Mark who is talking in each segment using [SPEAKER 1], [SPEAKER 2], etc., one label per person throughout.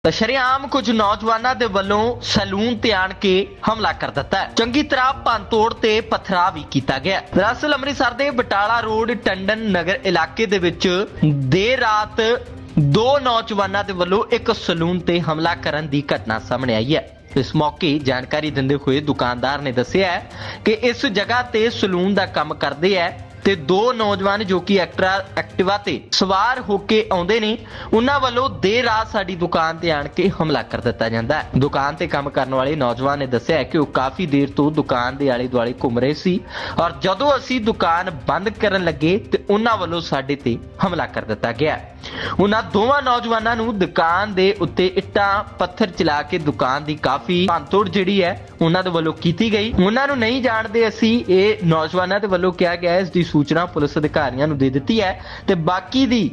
[SPEAKER 1] ਤਾਂ ਸ਼ਰੇਆਮ ਕੁਝ ਨੌਜਵਾਨਾਂ ਦੇ ਵੱਲੋਂ ਸੈਲੂਨ ਤੇ ਆਣ ਕੇ ਹਮਲਾ ਕਰ ਦਿੱਤਾ ਹੈ। ਚੰਗੀ ਤਰ੍ਹਾਂ ਭੰਨਤੋੜ ਤੇ ਪਥਰਾਅ ਵੀ ਕੀਤਾ ਗਿਆ। ਦਰਅਸਲ ਅੰਮ੍ਰਿਤਸਰ ਦੇ ਬਟਾਲਾ ਰੋਡ ਟੰਡਨ ਨਗਰ ਇਲਾਕੇ ਦੇ ਵਿੱਚ ਦੇਰ ਰਾਤ ਦੋ ਨੌਜਵਾਨਾਂ ਦੇ ਵੱਲੋਂ ਇੱਕ ਸੈਲੂਨ ਤੇ ਹਮਲਾ ਕਰਨ ਦੀ ਘਟਨਾ ਸਾਹਮਣੇ ਆਈ ਹੈ। ਇਸ ਮੌਕੇ ਜਾਣਕਾਰੀ ਦਿੰਦੇ ਹੋਏ ਦੁਕਾਨਦਾਰ ਨੇ ਦੱਸਿਆ ਕਿ ਇਸ ਜਗ੍ਹਾ ਤੇ ਸੈਲੂਨ ਦਾ ਕੰਮ ਕਰਦੇ ਹੈ ਤੇ ਦੋ ਨੌਜਵਾਨ ਜੋ ਕਿ ਐਕਟਿਵਾ ਤੇ ਸਵਾਰ ਹੋ ਕੇ ਆਉਂਦੇ ਨੇ, ਉਹਨਾਂ ਵੱਲੋਂ ਦੇਰ ਰਾਤ ਸਾਡੀ ਦੁਕਾਨ ਤੇ ਆਣ ਕੇ ਹਮਲਾ ਕਰ ਦਿੱਤਾ ਜਾਂਦਾ ਹੈ। ਦੁਕਾਨ ਤੇ ਕੰਮ ਕਰਨ ਵਾਲੇ ਨੌਜਵਾਨ ਨੇ ਦੱਸਿਆ ਕਿ ਉਹ ਕਾਫੀ ਦੇਰ ਤੋਂ ਦੁਕਾਨ ਦੇ ਆਲੇ ਦੁਆਲੇ ਘੁੰਮ ਰਹੇ ਸੀ ਔਰ ਜਦੋਂ ਅਸੀਂ ਦੁਕਾਨ ਬੰਦ ਕਰਨ ਲੱਗੇ ਤੇ ਉਹਨਾਂ ਵੱਲੋਂ ਸਾਡੇ ਤੇ ਹਮਲਾ ਕਰ ਦਿੱਤਾ ਗਿਆ। ਉਹਨਾਂ ਦੋਵਾਂ ਨੌਜਵਾਨਾਂ ਨੂੰ ਦੁਕਾਨ ਦੇ ਉੱਤੇ ਇੱਟਾਂ ਪੱਥਰ ਚਲਾ ਕੇ ਦੁਕਾਨ ਦੀ ਕਾਫੀ ਭੰਨਤੋੜ ਜਿਹੜੀ ਹੈ ਉਹਨਾਂ ਦੇ ਵੱਲੋਂ ਕੀਤੀ ਗਈ। ਉਹਨਾਂ ਨੂੰ ਨਹੀਂ ਜਾਣਦੇ ਅਸੀਂ, ਇਹ ਨੌਜਵਾਨਾਂ ਦੇ ਵੱਲੋਂ ਕਿਹਾ ਗਿਆ। ਇਸ ਦੀ ਸੂਚਨਾ ਪੁਲਿਸ ਅਧਿਕਾਰੀਆਂ ਨੂੰ ਦੇ ਦਿੱਤੀ ਹੈ ਤੇ ਬਾਕੀ ਦੀ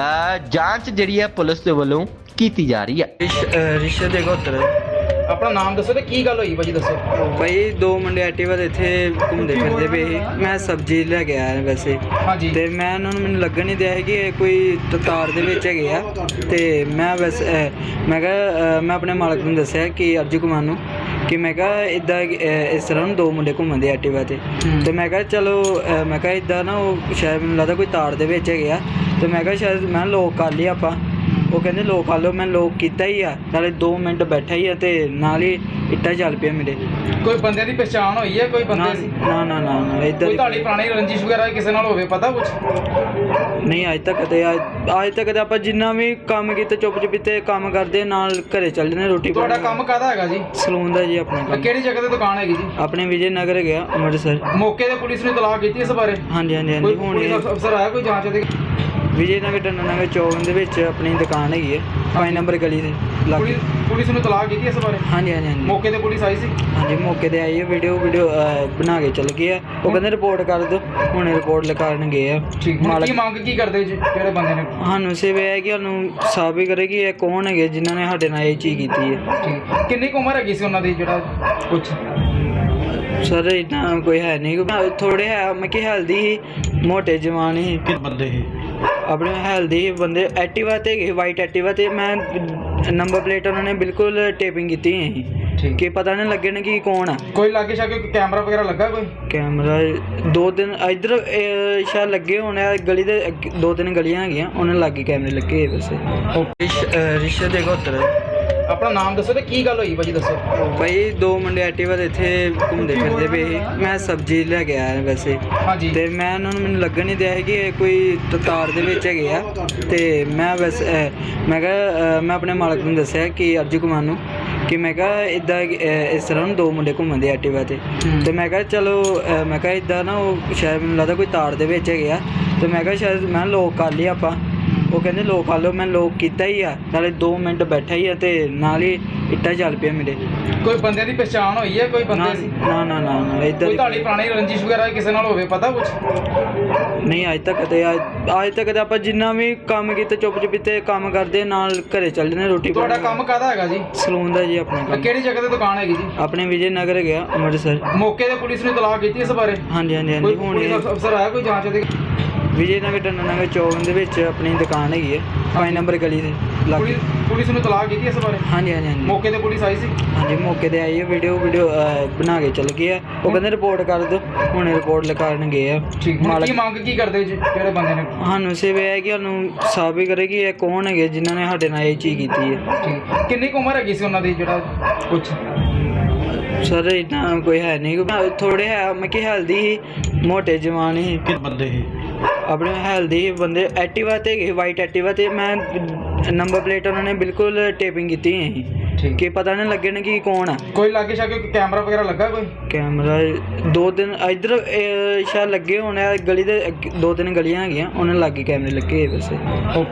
[SPEAKER 1] ਜਾਂਚ ਜਿਹੜੀ ਹੈ ਪੁਲਿਸ ਦੇ ਵੱਲੋਂ ਕੀਤੀ ਜਾ ਰਹੀ ਹੈ।
[SPEAKER 2] ਰਿਸ਼ਤੇ ਦੇ ਘੋਤਰ
[SPEAKER 3] ਆਪਣਾ ਨਾਮ ਦੱਸੋ ਤੇ ਕੀ ਗੱਲ ਹੋਈ ਭਾਜੀ ਦੱਸੋ।
[SPEAKER 2] ਭਾਈ ਦੋ ਮੁੰਡੇ ਐਕਟਿਵਾ ਤੇ ਇੱਥੇ ਘੁੰਮਦੇ ਫਿਰਦੇ ਪਏ ਸੀ। ਮੈਂ ਸਬਜ਼ੀ ਲੈ ਕੇ ਆਇਆ ਵੈਸੇ
[SPEAKER 3] ਹਾਂਜੀ
[SPEAKER 2] ਤੇ ਮੈਂ ਉਹਨਾਂ ਨੂੰ ਮੈਨੂੰ ਲੱਗਣ ਨਹੀਂ ਦਿਆ ਸੀ ਕਿ ਇਹ ਕੋਈ ਤਾਰ ਦੇ ਵਿੱਚ ਹੈਗੇ ਆ। ਤੇ ਮੈਂ ਵੈਸੇ ਮੈਂ ਕਿਹਾ ਮੈਂ ਆਪਣੇ ਮਾਲਕ ਨੂੰ ਦੱਸਿਆ ਕਿ ਅਰਜੂ ਕੁਮਾਰ ਨੂੰ ਕਿ ਮੈਂ ਕਿਹਾ ਇੱਦਾਂ ਇਸ ਤਰ੍ਹਾਂ ਨੂੰ ਦੋ ਮੁੰਡੇ ਘੁੰਮਦੇ ਐਕਟਿਵਾ ਤੇ ਮੈਂ ਕਿਹਾ ਚਲੋ ਮੈਂ ਕਿਹਾ ਇੱਦਾਂ ਨਾ ਉਹ ਸ਼ਾਇਦ ਮੈਨੂੰ ਲੱਗਦਾ ਕੋਈ ਤਾਰ ਦੇ ਵਿੱਚ ਹੈਗੇ ਆ। ਤੇ ਮੈਂ ਕਿਹਾ ਸ਼ਾਇਦ ਮੈਂ ਲੋਕ ਕਰ ਲਈ ਆਪਾਂ। ਉਹ ਕਹਿੰਦੇ ਲੋਕ ਕਰ ਲਓ। ਮੈਂ ਲੋਕ ਕੀਤਾ ਹੀ ਆ, ਨਾਲੇ 2 ਮਿੰਟ ਬੈਠਾ ਹੀ ਆ ਤੇ ਨਾਲ ਹੀ ਇੱਟਾਂ ਚੱਲ ਪਿਆ ਮੇਰੇ।
[SPEAKER 3] ਕੋਈ ਬੰਦੇ ਦੀ ਪਛਾਣ ਹੋਈ ਹੈ? ਕੋਈ ਬੰਦੇ ਦੀ
[SPEAKER 2] ਨਾ ਇੱਧਰ
[SPEAKER 3] ਕੋਈ ਤੁਹਾਡੀ ਪੁਰਾਣੀ ਰੰਜਿਸ਼ ਵਗੈਰਾ ਕਿਸੇ ਨਾਲ ਹੋਵੇ ਪਤਾ ਕੁਝ?
[SPEAKER 2] ਨਹੀਂ ਅੱਜ ਤੱਕ ਤੇ ਆਪਾਂ ਜਿੰਨਾ ਵੀ ਕੰਮ ਕੀਤਾ ਚੁੱਪ ਚੁਪੀਤੇ ਕੰਮ ਕਰਦੇ ਨਾਲ ਘਰੇ ਚੱਲ ਜਾਂਦੇ ਰੋਟੀ।
[SPEAKER 3] ਤੁਹਾਡਾ ਕੰਮ ਕਾਹਦਾ ਹੈਗਾ ਜੀ?
[SPEAKER 2] ਸਲੂਨ ਦਾ ਜੀ ਆਪਣਾ ਕੰਮ।
[SPEAKER 3] ਕਿਹੜੀ ਜਗ੍ਹਾ ਤੇ ਦੁਕਾਨ ਹੈਗੀ ਜੀ?
[SPEAKER 2] ਆਪਣੇ ਵਿਜੇ ਨਗਰ ਗਿਆ ਅੰਮ੍ਰਿਤਸਰ।
[SPEAKER 3] ਮੌਕੇ ਤੇ ਪੁਲਿਸ ਨੇ ਇਤਲਾਹ ਕੀਤੀ ਇਸ ਬਾਰੇ?
[SPEAKER 2] ਹਾਂਜੀ
[SPEAKER 3] ਕੋਈ
[SPEAKER 2] ਹੁਣ
[SPEAKER 3] ਪੁਲਿਸ ਅਫਸਰ ਆਇਆ ਕੋਈ ਜਾਂਚ ਦੇ?
[SPEAKER 2] ਵਿਜੇ ਨਗਰ ਟੰਡਨ ਨਗਰ ਚੌਕ ਦੇ ਵਿੱਚ ਆਪਣੀ ਦੁਕਾਨ ਹੈਗੀ ਹੈ 5 ਨੰਬਰ ਗਲੀ ਦੇ ਲਾਗੇ।
[SPEAKER 3] ਪੁਲਿਸ ਨੂੰ ਇਤਲਾਹ ਕੀਤੀ ਇਸ ਬਾਰੇ?
[SPEAKER 2] ਹਾਂਜੀ
[SPEAKER 3] ਮੌਕੇ ਤੇ ਪੁਲਿਸ ਆਈ ਸੀ?
[SPEAKER 2] ਹਾਂਜੀ ਮੌਕੇ ਤੇ ਆਈ ਹੈ। ਵੀਡੀਓ ਬਣਾ ਕੇ ਚੱਲ ਗਏ ਆ। ਉਹ ਕਹਿੰਦੇ ਰਿਪੋਰਟ ਕਰ ਦਿਓ, ਹੁਣ ਰਿਪੋਰਟ ਲਿਖਾਉਣ ਗਏ ਆ।
[SPEAKER 3] ਕੀ ਮੰਗ ਕੀ ਕਰਦੇ ਜੀ ਜਿਹੜੇ ਬੰਦੇ ਨੇ?
[SPEAKER 2] ਸਾਨੂੰ ਸਿਰਫ ਇਹ ਹੈ ਕਿ ਸਾਨੂੰ ਸਾਬਿਤ ਵੀ ਕਰੇ ਕਿ ਇਹ ਕੌਣ ਹੈਗੇ ਜਿਨ੍ਹਾਂ ਨੇ ਸਾਡੇ ਨਾਲ ਇਹ ਚੀਜ਼ ਕੀਤੀ ਹੈ।
[SPEAKER 3] ਕਿੰਨੀ ਕੁ ਉਮਰ ਹੈਗੀ ਸੀ ਉਹਨਾਂ ਦੀ ਜਿਹੜਾ ਕੁਝ?
[SPEAKER 2] ਸਰ ਇੱਦਾਂ ਕੋਈ ਹੈ ਨਹੀਂ, ਥੋੜੇ ਹੈ ਮੈਂ ਕਿ ਹੈਲਦੀ ਸੀ, ਮੋਟੇ ਜਵਾਨ ਸੀ।
[SPEAKER 3] ਕਿ ਬੰਦੇ ਸੀ
[SPEAKER 2] ਆਪਣੇ ਹੈਲਦੀ ਬੰਦੇ ਐਕਟਿਵਾ ਤੇ ਗਏ, ਵਾਈਟ ਐਕਟਿਵਾ ਤੇ। ਮੈਂ ਨੰਬਰ ਪਲੇਟ ਉਹਨਾਂ ਨੇ ਬਿਲਕੁਲ ਟੇਪਿੰਗ ਕੀਤੀ ਹੈ ਕਿ ਪਤਾ ਨਹੀਂ ਲੱਗੇ ਨਾ ਕਿ ਕੌਣ ਆ।
[SPEAKER 3] ਕੋਈ ਲਾਗੇ ਸ਼ਾਗੇ ਕੈਮਰਾ ਵਗੈਰਾ ਲੱਗਾ? ਕੋਈ
[SPEAKER 2] ਕੈਮਰਾ 2-3 ਇੱਧਰ ਸ਼ਾਇਦ ਲੱਗੇ ਹੋਣੇ ਆ। ਗਲੀ ਦੇ 2-3 ਗਲੀਆਂ ਹੈਗੀਆਂ ਉਹਨਾਂ ਲਾਗੇ ਕੈਮਰੇ ਲੱਗੇ ਵੈਸੇ। ਰਿਸ਼ਤੇ ਦੇ ਘੋਤਰ
[SPEAKER 3] ਆਪਣਾ ਨਾਮ ਦੱਸੋ ਤੇ ਕੀ ਗੱਲ ਹੋਈ ਭਾਜੀ ਦੱਸੋ।
[SPEAKER 2] ਭਾਈ ਦੋ ਮੁੰਡੇ ਐਕਟਿਵਾ ਤੇ ਇੱਥੇ ਘੁੰਮਦੇ ਫਿਰਦੇ ਪਏ ਸੀ। ਮੈਂ ਸਬਜ਼ੀ ਲੈ ਕੇ ਆਇਆ ਵੈਸੇ
[SPEAKER 3] ਹਾਂਜੀ
[SPEAKER 2] ਤੇ ਮੈਂ ਉਹਨਾਂ ਨੂੰ ਮੈਨੂੰ ਲੱਗਣ ਨਹੀਂ ਦਿਆ ਸੀ ਕਿ ਇਹ ਕੋਈ ਤਾਰ ਦੇ ਵਿੱਚ ਹੈਗੇ ਆ। ਤੇ ਮੈਂ ਵੈਸੇ ਮੈਂ ਕਿਹਾ ਮੈਂ ਆਪਣੇ ਮਾਲਕ ਨੂੰ ਦੱਸਿਆ ਕਿ ਅਰਜੂ ਕੁਮਾਰ ਨੂੰ ਕਿ ਮੈਂ ਕਿਹਾ ਇੱਦਾਂ ਇਸ ਤਰ੍ਹਾਂ ਨੂੰ ਦੋ ਮੁੰਡੇ ਘੁੰਮਦੇ ਐਕਟਿਵਾ ਤੇ ਮੈਂ ਕਿਹਾ ਚਲੋ ਮੈਂ ਕਿਹਾ ਇੱਦਾਂ ਨਾ ਉਹ ਸ਼ਾਇਦ ਮੈਨੂੰ ਲੱਗਦਾ ਕੋਈ ਤਾਰ ਦੇ ਵਿੱਚ ਹੈਗੇ ਆ। ਤੇ ਮੈਂ ਕਿਹਾ ਸ਼ਾਇਦ ਮੈਂ ਲੋਕ ਕਰ ਲਈ ਆਪਾਂ। ਉਹ ਕਹਿੰਦੇ ਲੋਕ ਕਰ ਲਓ। ਮੈਂ ਲੋਕ ਕੀਤਾ ਹੀ ਆ, ਨਾਲੇ 2 ਮਿੰਟ ਬੈਠਾ ਹੀ ਆ ਤੇ ਨਾਲ ਹੀ ਇੱਟਾਂ ਚੱਲ ਪਿਆ ਮੇਰੇ।
[SPEAKER 3] ਕੋਈ ਬੰਦੇ ਦੀ ਪਛਾਣ ਹੋਈ ਹੈ? ਕੋਈ ਬੰਦੇ ਦੀ
[SPEAKER 2] ਨਾ ਇੱਧਰ
[SPEAKER 3] ਕੋਈ ਤੁਹਾਡੀ ਪੁਰਾਣੀ ਰੰਜਿਸ਼ ਵਗੈਰਾ ਕਿਸੇ ਨਾਲ ਹੋਵੇ ਪਤਾ ਕੁਝ?
[SPEAKER 2] ਨਹੀਂ ਅੱਜ ਤੱਕ ਤੇ ਆਪਾਂ ਜਿੰਨਾ ਵੀ ਕੰਮ ਕੀਤਾ ਚੁੱਪ ਚੁਪੀਤੇ ਕੰਮ ਕਰਦੇ ਨਾਲ ਘਰੇ ਚੱਲ ਜਾਂਦੇ ਰੋਟੀ।
[SPEAKER 3] ਤੁਹਾਡਾ ਕੰਮ ਕਾਹਦਾ ਹੈਗਾ ਜੀ?
[SPEAKER 2] ਸਲੂਨ ਦਾ ਜੀ ਆਪਣਾ ਕੰਮ।
[SPEAKER 3] ਕਿਹੜੀ ਜਗ੍ਹਾ ਤੇ ਦੁਕਾਨ ਹੈਗੀ ਜੀ?
[SPEAKER 2] ਆਪਣੇ ਵਿਜੇ ਨਗਰ ਗਿਆ ਅੰਮ੍ਰਿਤਸਰ।
[SPEAKER 3] ਮੌਕੇ ਤੇ ਪੁਲਿਸ ਨੇ ਇਤਲਾਹ ਕੀਤੀ ਇਸ ਬਾਰੇ?
[SPEAKER 2] ਹਾਂਜੀ
[SPEAKER 3] ਕੋਈ
[SPEAKER 2] ਹੁਣ
[SPEAKER 3] ਪੁਲਿਸ ਅਫਸਰ ਆਇਆ ਕੋਈ ਜਾਂਚ ਦੇ?
[SPEAKER 2] ਵਿਜੇ ਨਗਰ ਟੰਡਨ ਨਗਰ ਚੌਕ ਦੇ ਵਿੱਚ ਆਪਣੀ ਦੁਕਾਨ ਹੈਗੀ ਹੈ 5 ਨੰਬਰ ਗਲੀ ਦੇ ਲਾਗੇ।
[SPEAKER 3] ਪੁਲਿਸ ਨੂੰ ਇਤਲਾਹ ਕੀਤੀ ਇਸ ਬਾਰੇ?
[SPEAKER 2] ਹਾਂਜੀ
[SPEAKER 3] ਮੌਕੇ ਤੇ ਪੁਲਿਸ ਆਈ ਸੀ?
[SPEAKER 2] ਹਾਂਜੀ ਮੌਕੇ ਤੇ ਆਈ ਹੈ। ਵੀਡੀਓ ਬਣਾ ਕੇ ਚੱਲ ਗਏ ਆ। ਉਹ ਕਹਿੰਦੇ ਰਿਪੋਰਟ ਕਰ ਦਿਓ, ਹੁਣ ਰਿਪੋਰਟ ਲਿਖਾਉਣ ਗਏ ਆ।
[SPEAKER 3] ਕੀ ਮੰਗ ਕੀ ਕਰਦੇ ਜੀ ਜਿਹੜੇ ਬੰਦੇ ਨੇ?
[SPEAKER 2] ਸਾਨੂੰ ਸਿਰਫ ਇਹ ਹੈ ਕਿ ਸਾਨੂੰ ਸਾਬਿਤ ਵੀ ਕਰੇ ਕਿ ਇਹ ਕੌਣ ਹੈਗੇ ਜਿਨ੍ਹਾਂ ਨੇ ਸਾਡੇ ਨਾਲ ਇਹ ਚੀਜ਼ ਕੀਤੀ ਹੈ।
[SPEAKER 3] ਕਿੰਨੀ ਕੁ ਉਮਰ ਹੈਗੀ ਸੀ ਉਹਨਾਂ ਦੀ ਜਿਹੜਾ ਕੁਝ?
[SPEAKER 2] ਸਰ ਇੱਦਾਂ ਕੋਈ ਹੈ ਨਹੀਂ, ਥੋੜੇ ਹੈ ਮੈਂ ਕਿ ਹੈਲਦੀ ਸੀ, ਮੋਟੇ ਜਵਾਨ ਸੀ।
[SPEAKER 3] ਕਿ ਬੰਦੇ ਸੀ
[SPEAKER 2] ਆਪਣੇ ਹੈਲਦੀ ਬੰਦੇ ਐਕਟਿਵਾ ਤੇ ਗਏ, ਵਾਈਟ ਐਕਟਿਵਾ ਤੇ। ਮੈਂ ਨੰਬਰ ਪਲੇਟ ਉਹਨਾਂ ਨੇ ਬਿਲਕੁਲ ਟੇਪਿੰਗ ਕੀਤੀ ਹੈ ਕਿ ਪਤਾ ਨਹੀਂ ਲੱਗੇ ਨਾ ਕਿ ਕੌਣ ਆ।
[SPEAKER 3] ਕੋਈ ਲਾਗੇ ਸ਼ਾਗੇ ਕੈਮਰਾ ਵਗੈਰਾ ਲੱਗਾ? ਕੋਈ
[SPEAKER 2] ਕੈਮਰਾ 2-3 ਇੱਧਰ ਸ਼ਾਇਦ ਲੱਗੇ ਹੋਣੇ ਆ। ਗਲੀ ਦੇ 2-3 ਗਲੀਆਂ ਹੈਗੀਆਂ ਉਹਨਾਂ ਲਾਗੇ ਕੈਮਰੇ ਲੱਗੇ ਵੈਸੇ।